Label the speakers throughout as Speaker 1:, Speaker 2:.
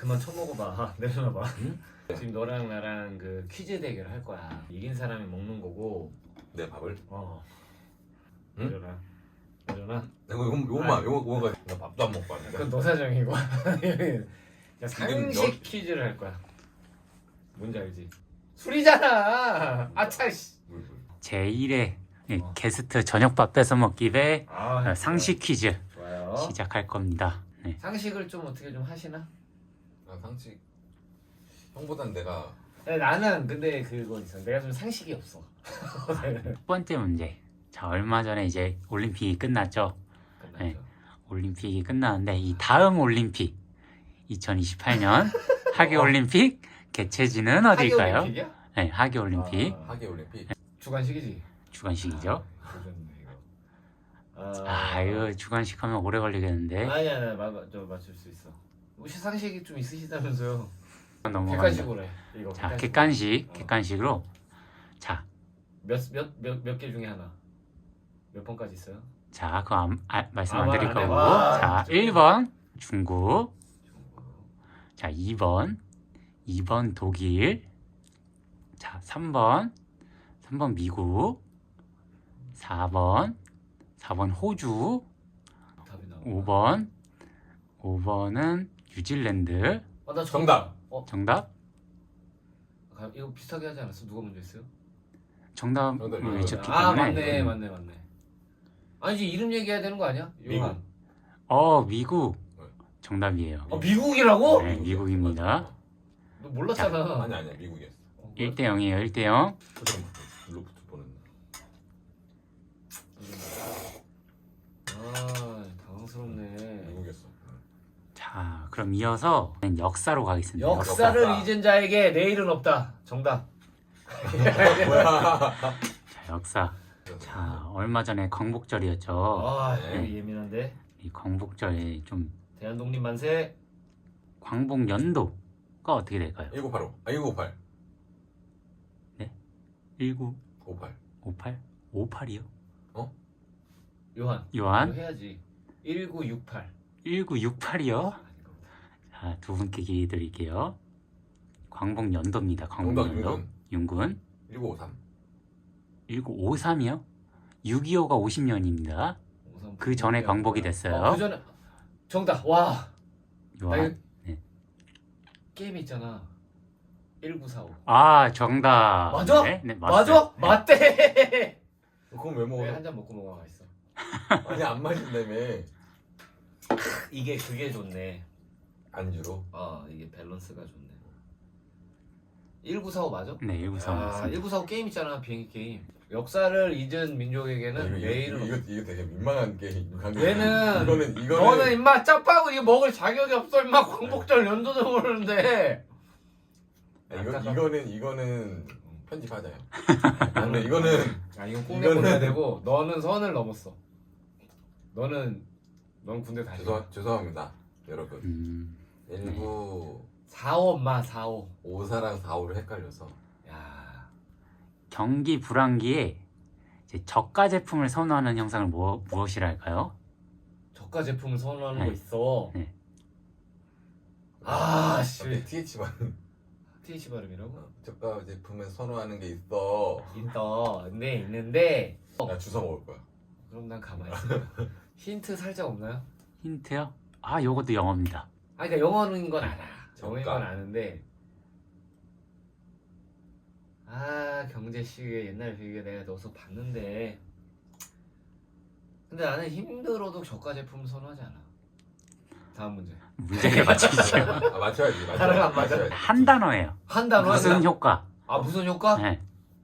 Speaker 1: 그만 처먹어봐. 내려놔봐.
Speaker 2: 응?
Speaker 1: 지금 너랑 나랑 그 퀴즈 대결 할 거야. 이긴 사람이 먹는 거고.
Speaker 2: 내 밥을? 응?
Speaker 1: 내려놔. 내려놔.
Speaker 2: 내가 요거만 나 밥도 안 먹고 왔는데.
Speaker 1: 그건 너 사정이고. 그냥
Speaker 2: 이건
Speaker 1: 상식 퀴즈를 할 거야. 뭔지 알지? 술이잖아. 아차 씨.
Speaker 2: 물.
Speaker 3: 제1회 게스트 저녁밥 뺏어 먹기 대
Speaker 1: 아,
Speaker 3: 상식 퀴즈
Speaker 1: 좋아요.
Speaker 3: 시작할 겁니다. 네.
Speaker 1: 상식을 좀 어떻게 좀 하시나?
Speaker 2: 나 상식 형보단 내가
Speaker 1: 네, 나는 근데 그거 있어. 내가 좀 상식이 없어.
Speaker 3: 첫 번째 문제. 자, 얼마 전에 이제 올림픽이 끝났죠.
Speaker 1: 끝났죠.
Speaker 3: 네. 올림픽이 끝났는데 이 다음 올림픽 2028년 하계 올림픽 개최지는 어딜까요?
Speaker 1: 하계올림픽이야?
Speaker 3: 네, 하계 올림픽
Speaker 2: 하계 올림픽.
Speaker 1: 주관식이지.
Speaker 3: 주관식이죠.
Speaker 1: 그러네, 이거.
Speaker 3: 이거 주관식 하면 오래 걸리겠는데.
Speaker 1: 아니야, 저 맞출 수 있어. 혹시 상식이 좀 있으시다면서요?
Speaker 3: 넘어간다.
Speaker 1: 객관식으로 해. 이거.
Speaker 3: 자,
Speaker 1: 객관식으로.
Speaker 3: 객관식으로. 자,
Speaker 1: 몇 개 중에 하나. 몇 번까지 있어요?
Speaker 3: 자, 그거 말씀 안 드릴
Speaker 1: 말 안 해.
Speaker 3: 거고.
Speaker 1: 와,
Speaker 3: 자,
Speaker 1: 진짜.
Speaker 3: 1번 중국. 자, 2번 독일. 자, 3번 미국. 4번 호주.
Speaker 1: 답이 나와.
Speaker 3: 5번은 뉴질랜드.
Speaker 1: 나
Speaker 2: 정답.
Speaker 3: 정답?
Speaker 1: 이거 비슷하게 하지 않았어? 누가 먼저 했어요?
Speaker 3: 정답을
Speaker 2: 정답이요.
Speaker 3: 외쳤기
Speaker 1: 맞네.
Speaker 3: 때문에.
Speaker 1: 맞네. 아니지, 이름 얘기해야 되는 거 아니야?
Speaker 2: 미국.
Speaker 1: 요한.
Speaker 3: 미국. 정답이에요.
Speaker 1: 미국이라고?
Speaker 3: 네, 미국입니다.
Speaker 1: 너 몰랐잖아.
Speaker 2: 아니야 미국이었어.
Speaker 3: 1대 0이에요. 1대 0.
Speaker 2: 잠깐만. 블루투스 보냈나?
Speaker 1: 당황스럽네.
Speaker 2: 미국이었어.
Speaker 3: 자, 그럼 이어서 역사로 가겠습니다.
Speaker 1: 역사를
Speaker 2: 역사.
Speaker 1: 잊은 자에게 내일은 없다. 정답.
Speaker 2: 뭐야?
Speaker 3: 자, 역사. 자, 얼마 전에 광복절이었죠.
Speaker 1: 여기 예민한데.
Speaker 3: 이 광복절에 좀
Speaker 1: 대한독립 만세.
Speaker 3: 광복 연도가 어떻게 될까요?
Speaker 2: 1985. 1958.
Speaker 3: 19,
Speaker 2: 58.
Speaker 3: 58? 58이요?
Speaker 1: 요한.
Speaker 3: 요한?
Speaker 1: 이거 해야지. 1968.
Speaker 3: 1968이요? 자, 두 분께 기회 드릴게요. 광복 연도입니다. 광복
Speaker 2: 정답
Speaker 3: 연도. 윤군.
Speaker 2: 1953.
Speaker 3: 1953이요? 6.25가 50년입니다. 그 전에 광복이 됐어요.
Speaker 1: 그 전에 정답. 와.
Speaker 3: 요한.
Speaker 1: 게임 있잖아. 1945.
Speaker 3: 정답.
Speaker 1: 맞아?
Speaker 3: 네,
Speaker 1: 맞아?
Speaker 3: 네.
Speaker 1: 맞대.
Speaker 2: 그건 왜 먹어?
Speaker 1: 왜 한 잔 먹고 먹어가 있어?
Speaker 2: 아니 안 마신다며.
Speaker 1: 이게 그게 좋네.
Speaker 2: 안주로.
Speaker 1: 이게 밸런스가 좋네. 1945 맞아?
Speaker 3: 네, 1945.
Speaker 1: 1945 게임 있잖아. 비행기 게임. 역사를 잊은 민족에게는 내일은
Speaker 2: 이거 되게 민망한 게임.
Speaker 1: 얘는
Speaker 2: 이거는
Speaker 1: 너는 임마 짜파구 이거 먹을 자격이 없어. 임마 광복절 연도도 모르는데.
Speaker 2: 이거는 편집하자요. 근데 이거는
Speaker 1: 이건 꼭 내보내야 되고 너는 선을 넘었어. 넌 군대 다시.
Speaker 2: 죄송합니다, 여러분.
Speaker 1: 45 엄마 45.
Speaker 2: 54랑 45를 헷갈려서.
Speaker 1: 야.
Speaker 3: 경기 불황기에 이제 저가 제품을 선호하는 형상을 무엇이랄까요?
Speaker 1: 저가 제품을 선호하는
Speaker 3: 네.
Speaker 1: 거 있어.
Speaker 3: 네.
Speaker 1: 씨.
Speaker 2: TH만
Speaker 1: TH 발음이라고?
Speaker 2: 저가 제품에 선호하는 게 있어.
Speaker 1: 있는데.
Speaker 2: 나 주워 먹을 거야.
Speaker 1: 그럼 난 가만히 있어. 힌트 살짝 없나요?
Speaker 3: 힌트요? 요것도 영어입니다.
Speaker 1: 그러니까 영어인 건 알아. 영어인
Speaker 2: 저가.
Speaker 1: 건 아는데. 경제식의 옛날 비교 내가 넣어서 봤는데. 근데 나는 힘들어도 저가 제품 선호하지 않아. 다음 문제.
Speaker 3: 문제를 맞추시죠.
Speaker 2: 맞춰야지.
Speaker 1: 다른 거안 맞아?
Speaker 3: 한 단어예요.
Speaker 1: 한 단어
Speaker 3: 무슨 효과?
Speaker 1: 무슨 효과?
Speaker 3: 네.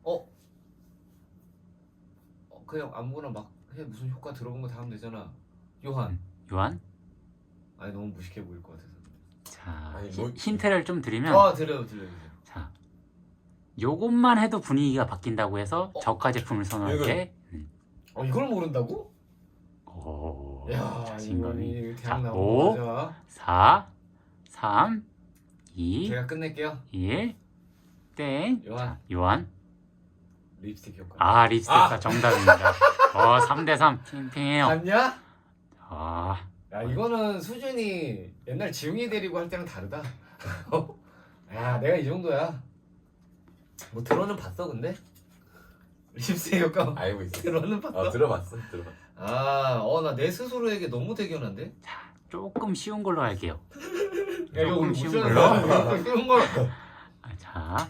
Speaker 1: 그냥 아무거나 막 해. 무슨 효과 들어본 거 다 하면 되잖아. 요한.
Speaker 3: 요한?
Speaker 1: 아니 너무 무식해 보일 것 같아서.
Speaker 3: 자,
Speaker 2: 아니,
Speaker 3: 힌트를 좀 드리면
Speaker 1: 드려요.
Speaker 3: 자, 요것만 해도 분위기가 바뀐다고 해서 저가 제품을 선호할
Speaker 2: 이거.
Speaker 3: 때
Speaker 1: 이걸 모른다고?
Speaker 3: 오,
Speaker 1: 야,
Speaker 3: 자신감이.
Speaker 1: 이거는
Speaker 3: 자,
Speaker 1: 대학
Speaker 3: 5,
Speaker 1: 나온 거죠.
Speaker 3: 4, 3, 2,
Speaker 1: 제가 끝낼게요.
Speaker 3: 1, 땡.
Speaker 1: 요한.
Speaker 3: 자, 요한.
Speaker 1: 립스틱 효과.
Speaker 3: 립스틱가 정답입니다. 3대 3. 팽팽해요.
Speaker 1: 봤냐?
Speaker 3: 아,
Speaker 1: 야, 이거는 수준이 옛날 지웅이 데리고 할 때랑 다르다. 야 내가 이 정도야. 뭐 들어는 봤어 근데? 립스의 효과
Speaker 2: 알고 있어.
Speaker 1: 들어는 봤어?
Speaker 2: 들어봤어.
Speaker 1: 나 내 스스로에게 너무 대견한데?
Speaker 3: 조금 쉬운 걸로 할게요.
Speaker 1: 야 이거
Speaker 3: 조금
Speaker 1: 우리
Speaker 3: 쉬운
Speaker 1: 무시하는
Speaker 3: 걸로.
Speaker 1: 거야? 쉬운 걸.
Speaker 3: 자,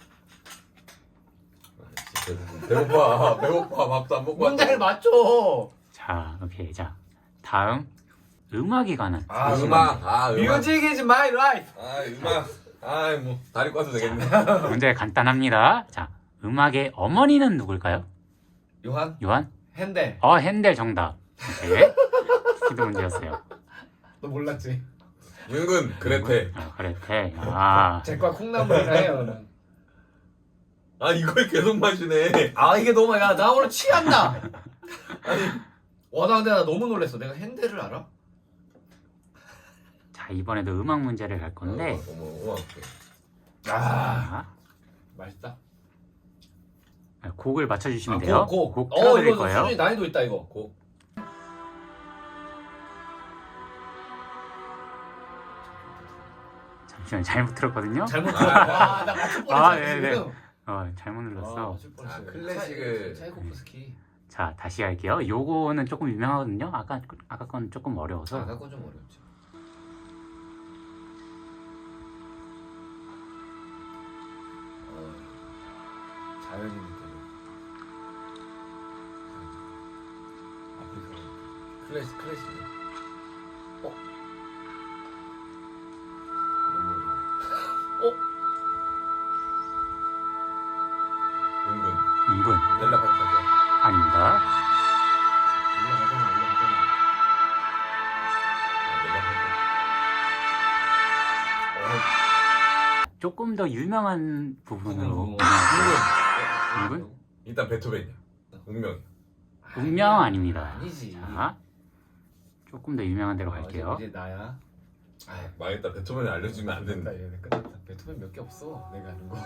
Speaker 2: 배고파. 밥도 안 먹고
Speaker 1: 문제를 맞춰.
Speaker 3: 자, 오케이. 자, 다음 음악에 관한
Speaker 2: 음악.
Speaker 1: Music is my life.
Speaker 2: 음악. 뭐 다리 꽈도 되겠네.
Speaker 3: 문제 간단합니다. 자, 음악의 어머니는 누굴까요?
Speaker 1: 요한?
Speaker 3: 요한?
Speaker 1: 핸델.
Speaker 3: 핸델 정답. 오케이. 스피드 문제였어요.
Speaker 1: 너 몰랐지?
Speaker 2: 윤근 그레테.
Speaker 3: 그레테.
Speaker 1: 제과 콩나물이라 해요.
Speaker 2: 이걸 계속 마시네.
Speaker 1: 이게 너무 나 오늘 취한다. 나 근데 나 너무 놀랐어. 내가 핸델을 알아?
Speaker 3: 자, 이번에도 음악 문제를 갈 건데.
Speaker 1: 아 맛있다.
Speaker 3: 곡을 맞춰주시면 돼요. 곡
Speaker 1: 이거
Speaker 3: 틀어드릴 거예요.
Speaker 1: 수준이 난이도 있다 이거.
Speaker 2: 곡.
Speaker 3: 잠시만요. 잘못 들었거든요.
Speaker 1: 잘못 들었어. 나 맞출 뻔했잖아
Speaker 3: 네네.
Speaker 1: 지금.
Speaker 3: 잘못 눌렀어.
Speaker 1: 맞출 뻔했어요.
Speaker 2: 클래식을.
Speaker 1: 차이코프스키.
Speaker 3: 자, 다시 할게요. 요거는 조금 유명하거든요. 아까 건 조금 어려워서.
Speaker 1: 아까 건 좀 어렵지. 자연인 느낌. 아프리카.
Speaker 2: 클래식. 윤근.
Speaker 3: 윤근
Speaker 2: 넬라 판타지야.
Speaker 3: 아닙니다.
Speaker 1: 올라가잖아.
Speaker 3: 조금 더 유명한 부분으로. 윤근?
Speaker 2: 일단 베토벤이야. 운명이야.
Speaker 3: 운명 아닙니다.
Speaker 1: 아니지.
Speaker 3: 자, 조금 더 유명한 데로 갈게요.
Speaker 1: 이제 나야.
Speaker 2: 망했다. 베토벤을 알려주면 안 된다.
Speaker 1: 얘네 끝났다. 베토벤 몇 개 없어. 내가 아는 거.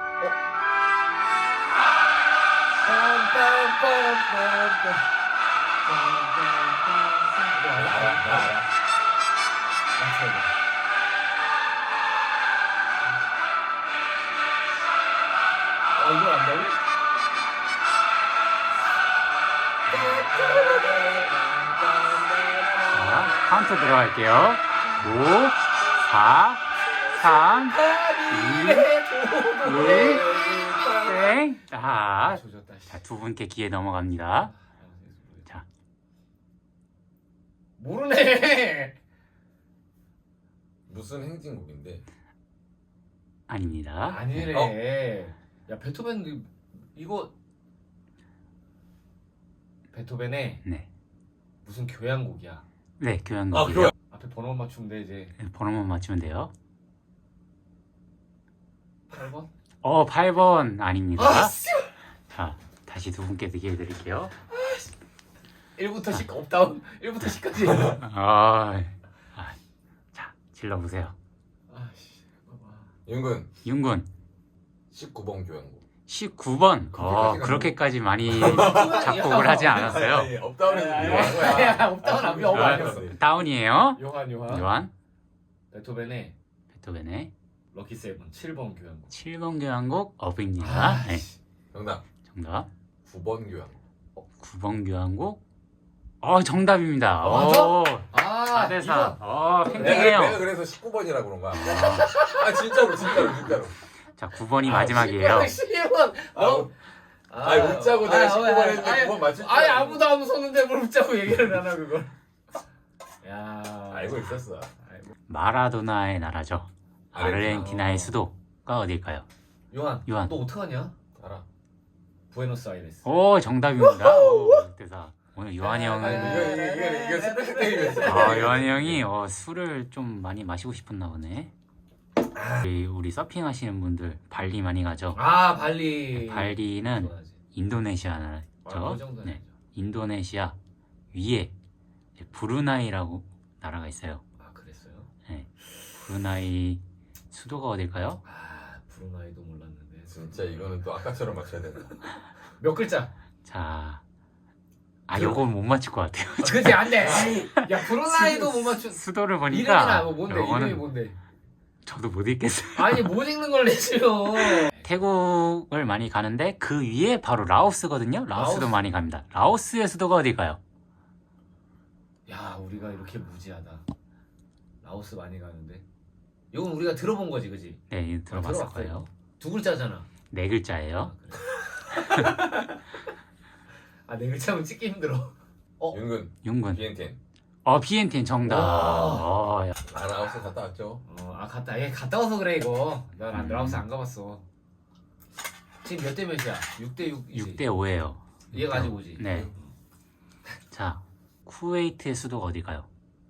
Speaker 1: 이걸 안다고?
Speaker 3: 자, 카운트 들어갈게요. 5, 4, 3, 2, 1, 땡. 자,
Speaker 1: 조졌다.
Speaker 3: 두 분께 기회 넘어갑니다. 자,
Speaker 1: 모르네.
Speaker 2: 무슨 행진곡인데?
Speaker 3: 아닙니다.
Speaker 1: 아니래. 야 베토벤 이거 베토벤의
Speaker 3: 네.
Speaker 1: 무슨 교향곡이야.
Speaker 3: 네, 교향곡이에요.
Speaker 1: 앞에 번호만 맞추면 돼 이제.
Speaker 3: 번호만 맞추면 돼요.
Speaker 1: 8번?
Speaker 3: 8번 아닙니다.
Speaker 1: 씨.
Speaker 3: 자, 다시 두 분께 기회 드릴게요.
Speaker 1: 1부터 10 업다운. 1부터 10까지.
Speaker 3: 자, 질러보세요.
Speaker 1: 아씨. 봐봐.
Speaker 2: 윤근
Speaker 3: 윤군
Speaker 2: 19번 교향곡.
Speaker 3: 19번. 그렇게까지 많이 작곡을 하지 않았어요.
Speaker 2: 업다운에서
Speaker 1: 야,
Speaker 2: 유명한 거야.
Speaker 1: 야, 업다운 안 업 아니었어.
Speaker 3: 다운이에요.
Speaker 1: 요한. 베토벤의
Speaker 3: 베토벤의
Speaker 1: 럭키 세븐 7번 교향곡.
Speaker 3: 7번 교향곡 업입니다. 네,
Speaker 2: 정답.
Speaker 3: 정답.
Speaker 2: 9번 교향곡.
Speaker 3: 9번 교향곡. 정답입니다.
Speaker 1: 맞아?
Speaker 3: 4대 4.
Speaker 1: 이거.
Speaker 3: 팽팽해요.
Speaker 2: 내가 그래서 19번이라고 그런 거야. 진짜로.
Speaker 3: 자, 9번이 마지막이에요.
Speaker 1: 10번.
Speaker 2: 웃자고 내가 19번 했는데 9번 맞출 줄
Speaker 1: 아예
Speaker 2: 알았는데.
Speaker 1: 아무도 안 웃었는데 뭘 웃자고 얘기를 하나 그걸. 야.
Speaker 2: 알고 있었어.
Speaker 3: 마라도나의 나라죠. 아르헨티나의 수도가 어딜까요?
Speaker 1: 요한.
Speaker 3: 요한.
Speaker 1: 너 어떡하냐?
Speaker 2: 알아.
Speaker 1: 부에노스아이레스.
Speaker 3: 정답입니다. 6대 4. 오늘 요한이 형은
Speaker 2: 이거 스페셜 게임이었어.
Speaker 3: 요한이 형이 술을 좀 많이 마시고 싶었나 보네. 우리 서핑 하시는 분들 발리 많이 가죠.
Speaker 1: 발리.
Speaker 3: 발리는
Speaker 1: 좋아하지.
Speaker 3: 인도네시아
Speaker 1: 그
Speaker 3: 나라죠.
Speaker 1: 정도는
Speaker 3: 네, 인도네시아 위에 이제 브루나이라고 나라가 있어요.
Speaker 1: 그랬어요?
Speaker 3: 네, 브루나이 수도가 어딜까요?
Speaker 1: 브루나이도 몰랐는데.
Speaker 2: 진짜 이거는 또 아까처럼 맞춰야 된다.
Speaker 1: 몇 글자?
Speaker 3: 자, 요건 못 맞출 것 같아요.
Speaker 1: 그지 안 돼. 야 브루나이도 못 맞춘.
Speaker 3: 수도를
Speaker 1: 이름이나
Speaker 3: 보니까
Speaker 1: 뭔데?
Speaker 3: 요거는
Speaker 1: 이름이 뭔데?
Speaker 3: 저도 못 읽겠어요.
Speaker 1: 아니 못 읽는 걸 내시면.
Speaker 3: 태국을 많이 가는데 그 위에 바로 라오스거든요. 라오스도
Speaker 1: 라오스.
Speaker 3: 많이 갑니다. 라오스의 수도가 어딜까요?
Speaker 1: 야 우리가 이렇게 무지하다. 라오스 많이 가는데. 이건 우리가 들어본 거지, 그지?
Speaker 3: 네, 이거 들어봤을
Speaker 1: 들어봤어,
Speaker 3: 거예요.
Speaker 1: 이거. 두 글자잖아.
Speaker 3: 네 글자예요.
Speaker 1: 아, 그래. 아, 네 글자면 찍기 힘들어.
Speaker 2: 윤근
Speaker 3: 윤군.
Speaker 2: 비엔텐.
Speaker 3: 비엔틴 정답.
Speaker 1: 와.
Speaker 3: 야.
Speaker 2: 아 라오스 갔다 왔죠.
Speaker 1: 얘 갔다 와서 그래 이거. 난
Speaker 3: 음.
Speaker 1: 라오스 안 가봤어. 지금 몇 대 몇이야? 6대 6이지.
Speaker 3: 6대 5예요.
Speaker 1: 얘가 아직 오지.
Speaker 3: 네. 자, 쿠웨이트의 수도가 어딜까요?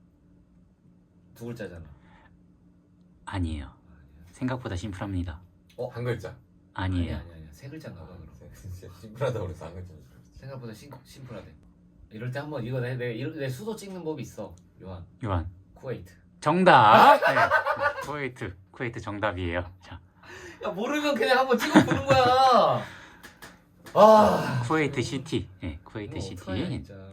Speaker 1: 두 글자잖아.
Speaker 3: 아니에요. 생각보다 심플합니다.
Speaker 2: 한 글자.
Speaker 3: 아니에요.
Speaker 1: 아니야. 세 글자인가 봐 그럼.
Speaker 2: 진짜 심플하다고 그래서 한 글자인 줄 알았어.
Speaker 1: 생각보다 심플하대. 이럴 때 한번 이거 내 수도 찍는 법이 있어. 요한.
Speaker 3: 요한.
Speaker 1: 쿠웨이트.
Speaker 3: 정답. 네. 쿠웨이트 정답이에요. 자,
Speaker 1: 야 모르면 그냥 한번 찍어 보는 거야. 아.
Speaker 3: 쿠웨이트 시티. 네, 쿠웨이트
Speaker 1: 이거 어떡하냐,
Speaker 3: 시티.
Speaker 1: 진짜.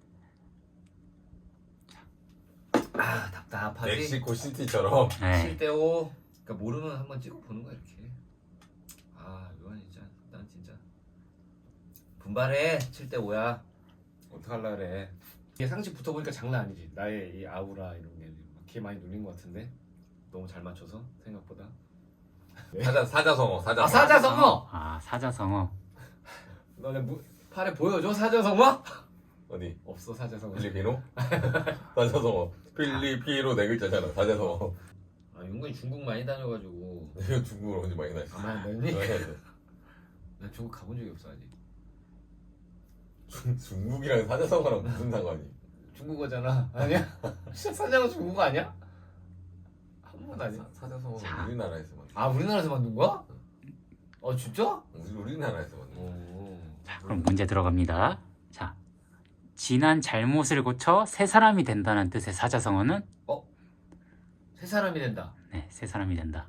Speaker 1: 아 답답하지.
Speaker 2: 멕시코 시티처럼.
Speaker 3: 네.
Speaker 1: 7대5. 그러니까 모르면 한번 찍어 보는 거야 이렇게. 아 요한 진짜 난 진짜 분발해. 7대5야. 어떡할라 그래. 이게 상식 붙어보니까 장난 아니지. 나의 이 아우라 이런 게 걔 많이 눌린 것 같은데. 너무 잘 맞춰서 생각보다.
Speaker 2: 사자성어.
Speaker 1: 아 사자성어.
Speaker 3: 아, 사자성어.
Speaker 1: 너네 팔에 보여줘 사자성어?
Speaker 2: 어디?
Speaker 1: 없어 사자성어.
Speaker 2: 필리피노? 사자성어. 필리피노 네 글자잖아. 사자성어.
Speaker 1: 아 윤근이 중국 많이 다녀가지고.
Speaker 2: 이거 중국어로 언제 많이 나왔어?
Speaker 1: 가만 안 다녔니? 나 중국 가본 적이 없어 아직.
Speaker 2: 중국이랑 사자성어랑 무슨 상관이?
Speaker 1: 중국어잖아. 아니야? 사자성어 중국어 아니야? 한 번 아니야?
Speaker 2: 사자성어는
Speaker 3: 자.
Speaker 2: 우리나라에서 만든.
Speaker 1: 아 우리나라에서 만든 거야? 진짜?
Speaker 2: 우리나라에서 만든.
Speaker 1: 오.
Speaker 3: 자, 그럼 문제 들어갑니다. 자, 지난 잘못을 고쳐 새 사람이 된다는 뜻의 사자성어는?
Speaker 1: 세 사람이 된다.
Speaker 3: 네, 새 사람이 된다.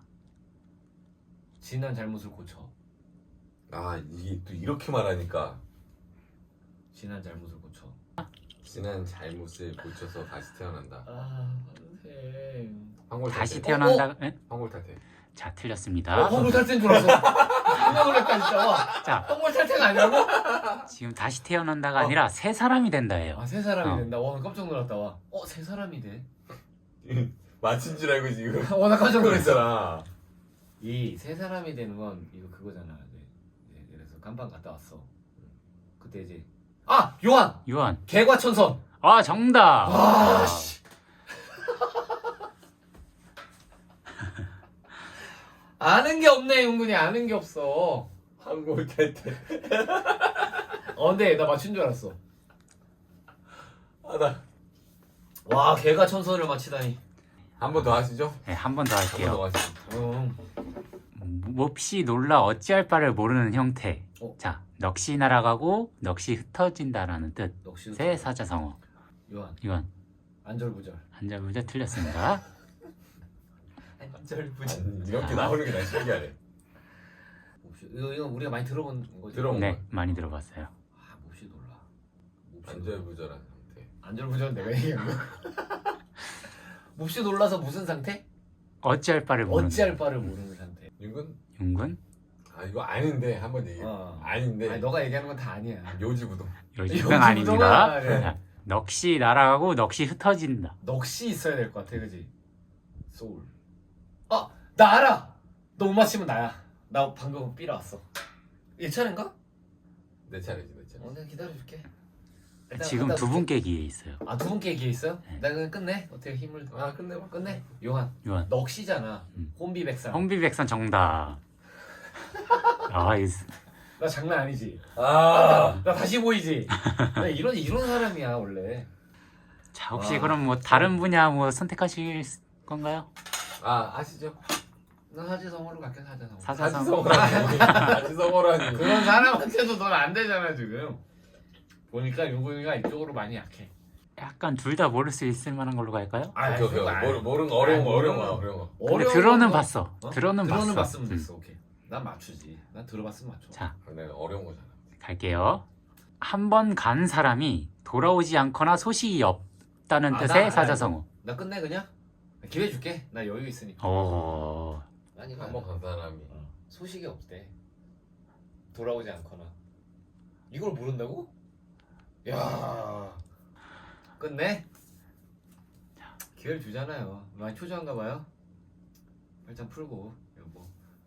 Speaker 1: 지난 잘못을 고쳐.
Speaker 2: 아 이게 또 이렇게 말하니까
Speaker 1: 지난 잘못을 고쳐.
Speaker 2: 지난 잘못을 고쳐서 다시 태어난다.
Speaker 1: 아 선생.
Speaker 2: 황골탈퇴.
Speaker 3: 다시 태어난다. 네?
Speaker 2: 황골탈퇴.
Speaker 3: 자, 틀렸습니다.
Speaker 1: 황골 탈퇴인 줄 알았어. 깜짝 놀랐다 진짜. 와.
Speaker 3: 자,
Speaker 1: 황골 탈퇴가 아니라고?
Speaker 3: 지금 다시 태어난다가 아니라 새 사람이 된다예요.
Speaker 1: 세 사람이
Speaker 3: 어.
Speaker 1: 된다. 와 깜짝 놀랐다. 와. 세 사람이 돼?
Speaker 2: 맞힌 줄 알고 지금.
Speaker 1: 나 깜짝 놀랐어.
Speaker 2: 그랬잖아.
Speaker 1: 이 세 사람이 되는 건 이거 그거잖아. 그래서 깜방 갔다 왔어. 그때 이제 요한
Speaker 3: 요한.
Speaker 1: 개과천선.
Speaker 3: 아, 정답.
Speaker 1: 아, 씨. 아는 게 없네 윤근이. 아는 게 없어.
Speaker 2: 황골탈퇴.
Speaker 1: 근데 나 맞춘 줄 알았어.
Speaker 2: 나
Speaker 1: 와 개과천선을 맞히다니.
Speaker 2: 한 번 더 하시죠.
Speaker 3: 네, 한 번 더
Speaker 2: 한 번
Speaker 3: 할게요.
Speaker 2: 더 하시죠.
Speaker 3: 몹시 놀라 어찌할 바를 모르는 형태. 자, 넋이 날아가고 넋이 흩어진다라는 뜻.
Speaker 1: 넋이
Speaker 3: 새 사자성어.
Speaker 1: 요한
Speaker 3: 요한.
Speaker 1: 안절부절.
Speaker 3: 한자부자 틀렸습니다.
Speaker 1: 안절부절.
Speaker 2: 아니, 이렇게 나오는 게 난 신기하네.
Speaker 1: 이거 우리가 많이 들어본 거지.
Speaker 2: 들어본
Speaker 3: 네,
Speaker 2: 거야.
Speaker 3: 많이 들어봤어요.
Speaker 1: 몹시 놀라.
Speaker 2: 안절부절한 상태.
Speaker 1: 안절부절 내가 얘기한 거. 몹시 놀라서 무슨 상태?
Speaker 3: 어찌할 바를 모르는.
Speaker 1: 어찌할 바를 모르는 상태.
Speaker 2: 윤근?
Speaker 3: 윤군?
Speaker 2: 아 이거 아닌데 한 번 얘기해. 아닌데.
Speaker 1: 아니 너가 얘기하는 건 다 아니야.
Speaker 2: 요지부동.
Speaker 3: 요즘은 아닙니다.
Speaker 1: 네.
Speaker 3: 자, 넋이 날아가고 넋이 흩어진다.
Speaker 1: 넋이 있어야 될 것 같아, 그지? 소울. 나 알아. 너 못 맞히면 나야. 나 방금 삐라 왔어. 얘 차례인가?
Speaker 2: 내 차례지 내 차례.
Speaker 1: 내가 기다려줄게. 일단
Speaker 3: 지금
Speaker 1: 갖다
Speaker 3: 두
Speaker 1: 줄게.
Speaker 3: 분께 기회 있어요.
Speaker 1: 두 분께 기회 있어요?
Speaker 3: 네.
Speaker 1: 나 그냥 끝내. 어떻게 힘을
Speaker 2: 끝내봐.
Speaker 1: 끝내. 요한.
Speaker 3: 요한.
Speaker 1: 넋이잖아.
Speaker 3: 음.
Speaker 1: 혼비백산.
Speaker 3: 홍비백산 정답. 아,
Speaker 1: 나 장난 아니지.
Speaker 2: 아.
Speaker 1: 나 다시 보이지. 나 이런 사람이야 원래.
Speaker 3: 자, 혹시
Speaker 1: 와.
Speaker 3: 그럼 뭐 다른 분야 뭐 선택하실 건가요?
Speaker 2: 하시죠.
Speaker 1: 나 사지성어로 갈게. 사자성어.
Speaker 3: 사자성어.
Speaker 2: 사지성어라니.
Speaker 1: 그런 사람한테도 넌 안 되잖아 지금. 보니까 윤근이가 이쪽으로 많이 약해.
Speaker 3: 약간 둘 다 모를 수 있을 만한 걸로 갈까요?
Speaker 2: 오케이.
Speaker 1: 그거 아니야.
Speaker 2: 모르는 거 어려운 거
Speaker 1: 아니,
Speaker 2: 어려운 거
Speaker 1: 모르는
Speaker 2: 어려운 거.
Speaker 3: 근데
Speaker 1: 어려운
Speaker 3: 들어는
Speaker 1: 거.
Speaker 3: 봤어. 들어는 봤어.
Speaker 1: 봤으면 됐어. 오케이. 난 맞추지. 난 들어봤으면 맞춰.
Speaker 3: 자,
Speaker 2: 내가 어려운 거잖아.
Speaker 3: 갈게요. 한 번 간 사람이 돌아오지 않거나 소식이 없다는
Speaker 1: 아,
Speaker 3: 뜻의
Speaker 1: 나
Speaker 3: 사자성어.
Speaker 1: 나 끝내 그냥. 기회 줄게. 나 여유 있으니까. 아니
Speaker 2: 한번 간 사람이
Speaker 1: 소식이 없대. 돌아오지 않거나. 이걸 모른다고? 야 끝내? 기회를 주잖아요. 많이 초조한가 봐요. 일단 풀고 여보.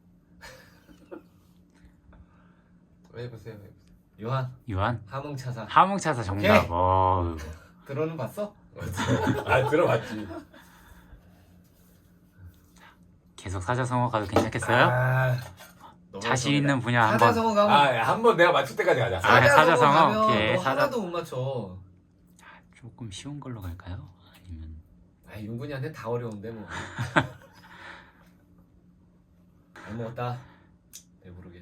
Speaker 2: 해보세요.
Speaker 1: 요한 하몽차사.
Speaker 3: 하몽차사 정답.
Speaker 1: 오케이. 들어는 봤어?
Speaker 2: 아 들어봤지.
Speaker 3: 계속 사자성어 가도 괜찮겠어요?
Speaker 1: 너무
Speaker 3: 자신
Speaker 1: 어려운데.
Speaker 3: 있는 분야 한번.
Speaker 1: 사자성어 가면
Speaker 2: 한번 내가 맞출 때까지 가자.
Speaker 3: 사자성어.
Speaker 1: 가면
Speaker 3: 오케이.
Speaker 1: 너 하나도 못 맞춰.
Speaker 3: 조금 쉬운 걸로 갈까요? 아니면
Speaker 1: 윤근이한테 다 어려운데 뭐. 잘 먹었다. 배부르게.